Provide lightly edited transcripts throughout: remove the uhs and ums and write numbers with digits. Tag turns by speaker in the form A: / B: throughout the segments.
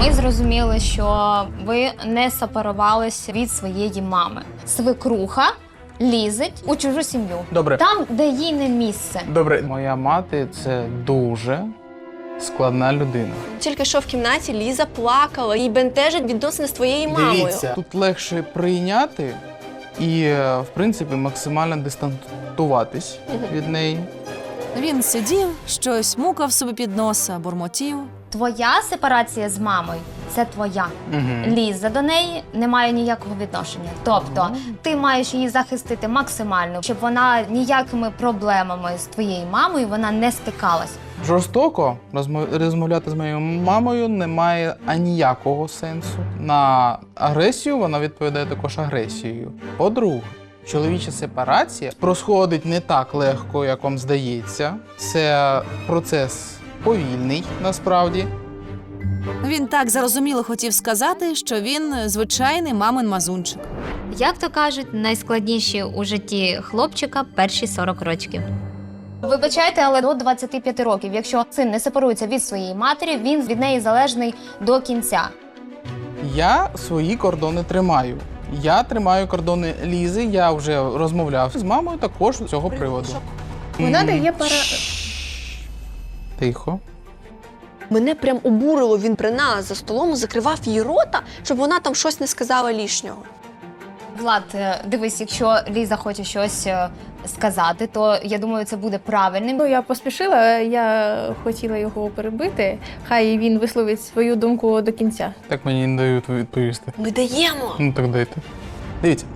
A: Ми зрозуміли, що ви не сепарувалися від своєї мами. Свекруха лізить у чужу сім'ю.
B: Добре.
A: Там, де їй не місце.
B: Добре, моя мати – це дуже складна людина.
C: Тільки що в кімнаті Ліза плакала, їй бентежить відносини з твоєю мамою.
B: Дивіться, тут легше прийняти і, в принципі, максимально дистанцюватись від неї.
D: Він сидів, щось мукав собі під носа, бурмотів.
A: Твоя сепарація з мамою – це твоя. Ліза до неї не має ніякого відношення. Тобто ти маєш її захистити максимально, щоб вона ніякими проблемами з твоєю мамою вона не стикалась.
B: Жорстоко розмовляти з моєю мамою немає аніякого сенсу. На агресію вона відповідає також агресією. По-друге, чоловіча сепарація проходить не так легко, як вам здається. Це процес повільний, насправді.
D: Він так зарозуміло хотів сказати, що він звичайний мамин мазунчик.
A: Як то кажуть, найскладніші у житті хлопчика перші 40 років. Вибачайте, але до 25 років, якщо син не сепарується від своєї матері, він від неї залежний до кінця.
B: Я свої кордони тримаю. Я тримаю кордони Лізи, я вже розмовляв з мамою також з цього приводу.
E: Вона дає
B: Тихо.
C: Мене прям обурило, він при нас за столом закривав її рота, щоб вона там щось не сказала лишнього.
A: Влад, дивись, якщо Ліза хоче щось сказати, то я думаю, це буде правильним.
E: Ну, я поспішила, я хотіла його перебити. Хай він висловить свою думку до кінця.
B: Так мені не дають відповісти.
C: Ми даємо!
B: Ну так дайте. Дивіться,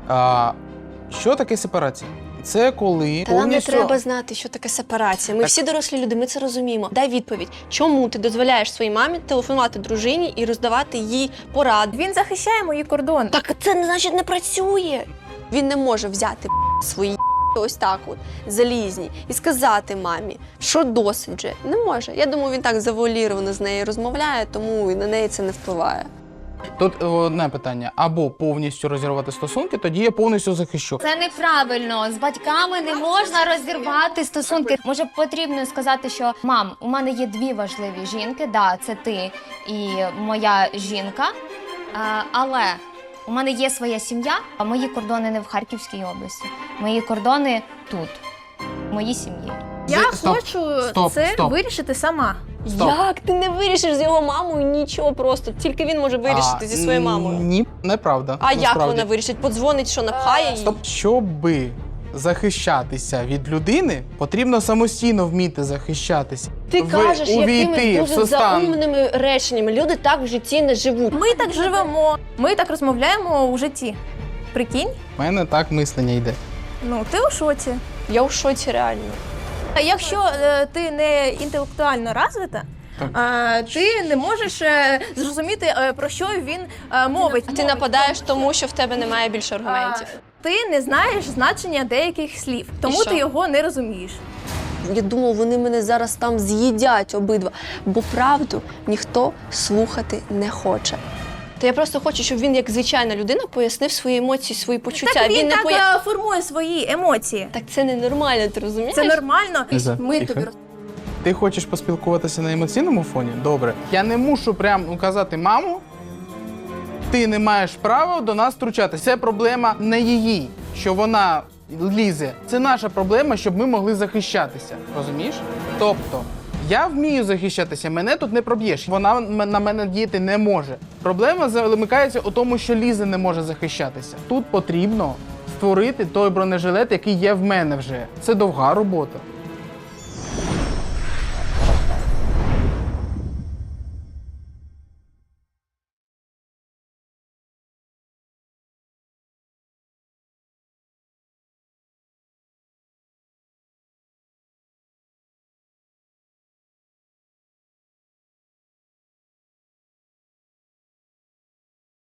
B: що таке сепарація? Це коли
C: Та нам не
B: повністю...
C: треба знати, що таке сепарація. Ми всі дорослі люди, ми це розуміємо. Дай відповідь, чому ти дозволяєш своїй мамі телефонувати дружині і роздавати їй поради?
E: Він захищає мої кордони.
C: Так це не значить не працює. Він не може взяти свої ось так от залізні і сказати мамі, що досить же. Не може. Я думаю, він так завуаліровано з нею розмовляє, тому і на неї це не впливає.
B: Тут одне питання. Або повністю розірвати стосунки, тоді я повністю захищу.
A: Це неправильно. З батьками не можна розірвати стосунки. Може, потрібно сказати, що мам, у мене є дві важливі жінки. Да, це ти і моя жінка. Але у мене є своя сім'я, а мої кордони не в Харківській області. Мої кордони тут, в моїй сім'ї.
E: Я
B: Стоп,
E: хочу
B: стоп,
E: це
B: стоп.
E: вирішити сама.
B: Стоп.
C: Як? Ти не вирішиш з його мамою нічого просто. Тільки він може вирішити зі своєю мамою.
B: Ні, неправда.
C: А як
B: насправді.
C: вона вирішить? Подзвонить, що напхає її?
B: Стоп. Щоби захищатися від людини, потрібно самостійно вміти захищатися.
C: Ти кажеш
B: увійти
C: якимись
B: в
C: дуже
B: стан.
C: заумними реченнями. Люди так в житті не живуть.
E: Ми так живемо, ми так розмовляємо у житті. Прикинь?
B: У мене так мислення йде.
E: Ну, ти у шоці.
C: Я в шоці реально.
E: А якщо ти не інтелектуально розвита, ти не можеш зрозуміти, про що він мовить.
C: А ти нападаєш тому, що в тебе немає більше аргументів.
E: Ти не знаєш значення деяких слів, тому
C: що?
E: ти його не розумієш.
C: Я думав, вони мене зараз там з'їдять обидва, бо правду ніхто слухати не хоче. Та я просто хочу, щоб він, як звичайна людина, пояснив свої емоції, свої почуття.
E: Так він
C: не
E: так формує свої емоції.
C: Так це ненормально, ти розумієш?
E: Це нормально.
B: Ліза,
E: Ми
B: тихо.
E: тобі
B: Ти хочеш поспілкуватися на емоційному фоні? Добре. Я не мушу прям указати маму, ти не маєш права до нас втручатися. Це проблема не її, що вона лізе. Це наша проблема, щоб ми могли захищатися. Розумієш? Тобто, я вмію захищатися, мене тут не проб'єш. Вона на мене діяти не може. Проблема замикається у тому, що Ліза не може захищатися. Тут потрібно створити той бронежилет, який є в мене вже. Це довга робота.